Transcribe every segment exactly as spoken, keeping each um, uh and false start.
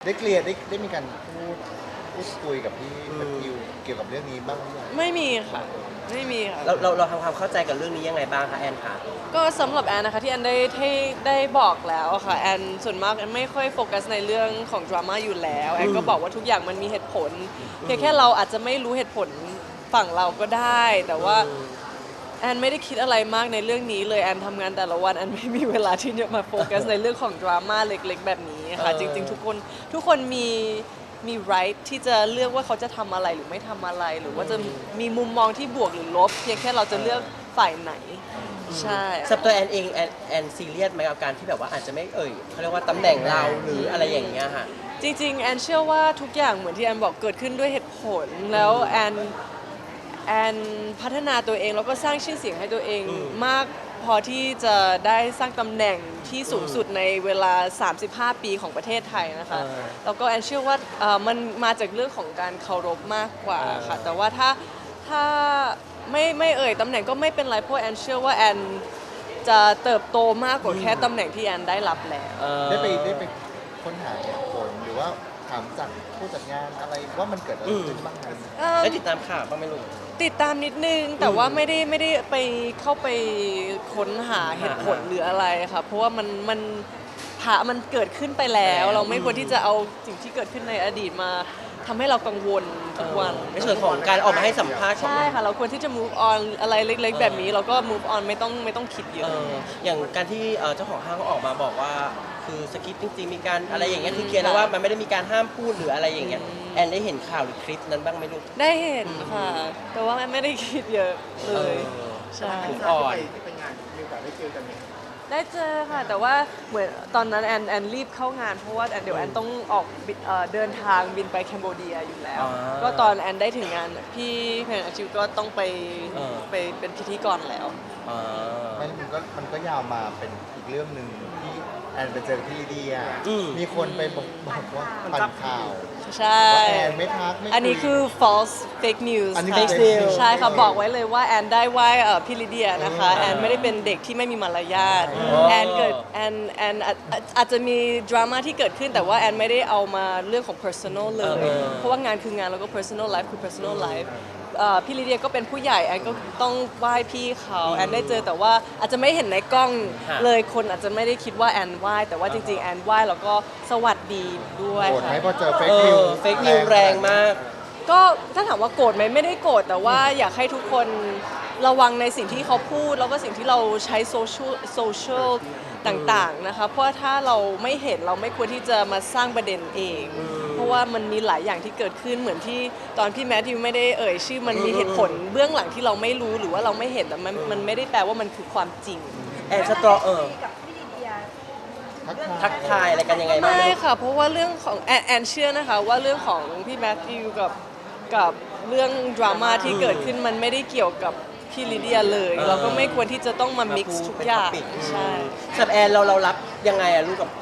ได้เคลียร์ได้ได้มีการพูดพูดคุยกับพี่แมทธิวเกี่ยวกับเรื่องนี้บ้างหรือยังไม่มีค่ะไม่มีค่ะเราเราเราทำความเข้าใจกับเรื่องนี้ยังไงบ้างคะแอนคะก็สำหรับแอนนะคะที่แอนได้ได้ได้บอกแล้วอะค่ะแอนส่วนมากแอนไม่ค่อยโฟกัสในเรื่องของดราม่าอยู่แล้วแอนก็บอกว่าทุกอย่างมันมีเหตุผลเพียงแค่เราอาจจะไม่รู้เหตุผลฝั่งเราก็ได้ แต่ว่าแอนไม่ได้คิดอะไรมากในเรื่องนี้เลยแอนทำงานแต่ละวันแอนไม่มีเวลาที่จะมาโฟกัสในเรื่องของดราม่าเล็กๆแบบนี้ค่ะจริงๆทุกคนทุกคนมีมี right ที่จะเลือกว่าเขาจะทำอะไรหรือไม่ทำอะไร หรือว่าจะมีมุมมองที่บวกหรือลบเพียงแค่เราจะเลือกฝ่ายไหนใช่สำหรับตัวแอนเองแอนแอนซีเรียสไหมกับการที่แบบว่าอาจจะไม่เอ่ยเขาเรียกว่าตำแหน่งเราหรืออะไรอย่างเงี้ยค่ะจริงๆแอนเชื่อว่าทุกอย่างเหมือนที่แอนบอกเกิดขึ้นด้วยเหตุผลแล้วแอนแอนพัฒนาตัวเองแล้วก็สร้างชื่อเสียงให้ตัวเองมากพอที่จะได้สร้างตำแหน่งที่สูงสุดในเวลา สามสิบห้า ปีของประเทศไทยนะคะเออแล้วก็แอนเชื่อว่าเอ่อมันมาจากเรื่องของการเคารพมากกว่าค่ะแต่ว่าถ้าถ้าไม่ไม่เอ่ยตำแหน่งก็ไม่เป็นไรเพราะแอนเชื่อว่าแอนจะเติบโตมากกว่าแค่ตำแหน่งที่แอนได้รับแล้วเอ่อได้ไปได้ไปค้นหาเหตุผลหรือว่าถามจากผู้จัดงานอะไรว่ามันเกิดอะไรขึ้นบ้างไหมเอิ่มได้ติดตามข่าวบ้างไหมลูกติดตามนิดนึงแต่ว่าไม่ได้ไม่ได้ไปเข้าไปค้นหาเหตุผลหรืออะไรค่ะเพราะว่ามันมันผ่ามันเกิดขึ้นไปแล้ว เราไม่ควรที่จะเอาสิ่งที่เกิดขึ้นในอดีตมาทำให้เรากังวลทุกวันในส่วนของการออกมาให้สัมภาษณ์ของใช่ค่ะเราควรที่จะ move on อะไรเล็ก ๆ แบบนี้เราก็ move on ไม่ต้องไม่ต้องคิดเยเออะออย่างการที่เอ่อเจ้าของห้างเขาออกมาบอกว่าคือสคริปต์จริงๆมีการอะไรอย่างเงี้ยคือเคลียร์แล้วว่ามันไม่ได้มีการห้ามพูดหรืออะไรอย่างเงี้ยแอนได้เห็นข่าวหรือคลิปนั้นบ้างไหมลูกได้เห็นค่ะ แต่ว่าไม่ได้คิดเยอะเลยเออใช่ถูกอ่อนที่ไปงานมีโอกาสได้เจอกันไหมได้เจอค่ะ แต่ว่าเหมือนตอนนั้นแอนแอนรีบเข้างานเพราะว่าแอนเดี๋ยวแอนต้องออกบินเอ่อเดินทางบินไปแคนโบเดียอยู่แล้วอ่าก็ตอนแอนได้ถึงงานพี่เพนอาชิวก็ต้องไปเออไปเป็นพิธีกรแล้วอ่ามันมันก็มันก็ยาวมาเป็นอีกเรื่องหนึ่งที่แอนไปเจอพี่ลีเดียอืมมีคนไปบอกบอกว่าปั่นข่าวใช่ว่าแอนไม่ทักไม่ยอันนี้คือ false fake news อันนี้ค่ะ fake news ใช่ค่ะบอกไว้เลยว่าแอนได้ไหว้เอ่อพี่ลิเดียนะคะแอนไม่ได้เป็นเด็กที่ไม่มีมารยาทอ๋อแอนเกิดแอนแอนอาจอาจอาจจะมีดราม่าที่เกิดขึ้นแต่ว่าแอนไม่ได้เอามาเรื่องของ personal เลย เพราะว่างานคืองานแล้วก็ personal life คือ personal life เอ่อพี่ลิเดียก็เป็นผู้ใหญ่แอนก็ต้องไหว้พี่เขาแอนได้เจอแต่ว่าอาจจะไม่เห็นในกล้องเลยคนอาจจะไม่ได้คิดว่าแอนไหว้แต่ว่าจริงๆแอนไหว้แล้วก็สวัสดีด้วยโกรธค่ะไหมพอเจอเฟกเอนิวอเฟกนิวแรงมากก็ถ้าถามว่าโกรธไหมไม่ได้โกรธแต่ว่าอยากให้ทุกคนระวังในสิ่งที่เขาพูด แล้วก็สิ่งที่เราใช้โซเชียลโซเชียลต่างๆนะคะเพราะว่าถ้าเราไม่เห็นเราไม่ควรที่จะมาสร้างประเด็นเอง เพราะว่ามันมีหลายอย่างที่เกิดขึ้นเหมือนที่ตอนพี่แมทธิวไม่ได้เอ่ยชื่อมันมีเหตุผลเบื้องหลังที่เราไม่รู้หรือว่าเราไม่เห็นแต่มันมันไม่ได้แปลว่ามันคือความจริงแอนสตรอเออกับพี่ลิเดียทักทายทักทายอะไรกันยังไงบ้างไม่ลูกค่ะ เพราะว่าเรื่องของแอนแอนเชื่อนะคะว่าเรื่องของพี่แมทธิวกับกับเรื่องดราม่าที่เกิดขึ้นมันไม่ได้เกี่ยวกับพี่ลิเดียเลยเออเราก็ไม่ควรที่จะต้องมามา mix พูดทุกเป็นอย่าง topic ใช่สำหรับแอนเราเรารับยังไงอะลูกกับ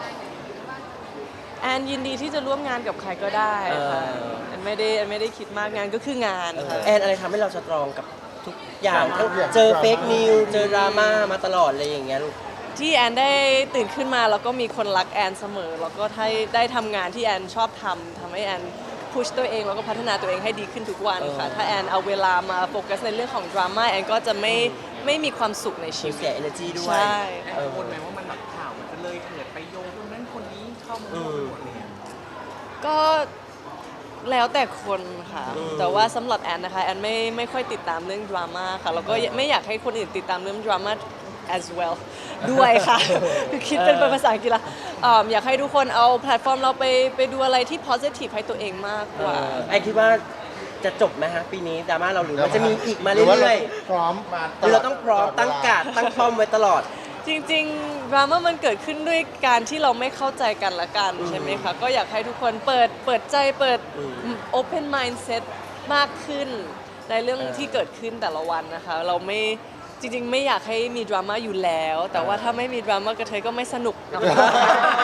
แอนยินดีที่จะร่วมงานกับใครก็ได้ค่ะเออแอนไม่ได้แอนไม่ได้คิดมากงานก็คืองานค่ะแอนอะไรทำให้เราสตรองกับทุกอย่างทั้งทุกอย่างเจอเฟกนิวเจอดราม่ามาตลอดอะไรอย่างเงี้ยลูกที่แอนได้ตื่นขึ้นมาแล้วก็มีคนรักแอนเสมอ แล้วก็ได้ได้ทำงานที่แอนชอบทำทำให้แอนพุชตัวเองแล้วก็พัฒนาตัวเองให้ดีขึ้นทุกวันค่ะเออถ้าแอนเอาเวลามาโฟกัสในเรื่องของดราม่าแอนก็จะไม่ไม่มีความสุขในชีสูญวิตเสีย energy ด้วยใช่แอนกังวลไหมว่ามันแบบข่าวมันจะเลยเถิดไปโยงคนนั้นคนนี้เข้ามาอืหมมดอะไรเงี้ยก็แล้วแต่คนค่ะอืมแต่ว่าสำหรับแอนนะคะแอนไม่ไม่ค่อยติดตามเรื่องดราม่าค่ะแล้วก็ไม่อยากให้คนอื่นติดตามเรื่องดราม่า as well ด้วยค่ะ คือคิดเป็นภาษาอังกฤษละอ่าอยากให้ทุกคนเอาแพลตฟอร์มเราไปไปดูอะไรที่ positive ให้ตัวเองมากกว่าเออไอคิดว่าจะจบไหมฮะปีนี้ดราม่าเราหรือมันจะมีอีกมาหรือว่าเรื่อยพร้อมมาๆหรือเราต้องพร้อมตั้งการดตั้งป้อมไว้ตลอดจริงๆดราม่ามันเกิดขึ้นด้วยการที่เราไม่เข้าใจกันละกันใช่ไหมคะ ก็อยากให้ทุกคนเปิดเปิดใจเปิด open mindset มากขึ้นในเรื่องที่เกิดขึ้นแต่ละวันนะคะ เราไม่จริงๆ ไม่อยากให้มีดราม่าอยู่แล้ว แต่ว่าถ้าไม่มีดราม่ากระเทยก็ไม่สนุกนะคะส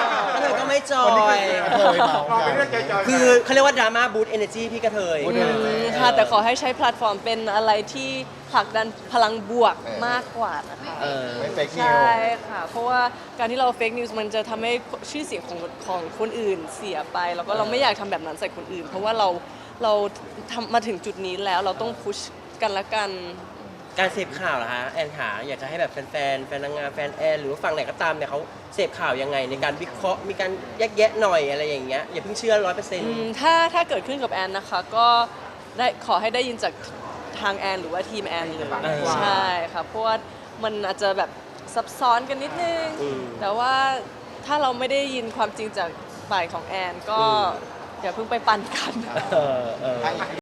เทยก็ไม่จอยเคยเมาเราไม่ได้จอยๆคือเขาเรียกว่าดราม่าบูตเอเนจีพี่กระเทย Boot อื energy มค่ะแต่ขอให้ใช้แพลตฟอร์มเป็นอะไรที่ผลักดันพลังบวกเออมากกว่านะคะเออไม่เฟกนิวใช่ค่ะ เพราะว่าการที่เราเฟกนิวส์มันจะทำให้ชื่อเสียงของของคนอื่นเสียไป แล้วก็เราไม่อยากทำแบบนั้นใส่คนอื่น เพราะว่าเราเราทำมาถึงจุดนี้แล้วเราต้องพุชกันละกันการเสพข่าวเหรอฮะแอนหาอยากจะให้แบบแฟนๆแฟนนางงามแฟนแอนหรือว่าฝั่งไหนก็ตามเนี่ยเขาเสพข่าวยังไงในการวิเคราะห์มีการแยกแยะหน่อยอะไรอย่างเงี้ยอย่าเพิ่งเชื่อร้อยเปอร์เซ็นต์อืมถ้าถ้าเกิดขึ้นกับแอนนะคะ ก็ได้ขอให้ได้ยินจากทางแอนหรือว่าทีมแอนเลยเออใช่ค่ะเพราะว่ามันอาจจะแบบซับซ้อนกันนิดนึงอืมแต่ว่าถ้าเราไม่ได้ยินความจริงจากฝ่ายของแอนก็อืมอย่าเพิ่งไปปั่นกันเออเออ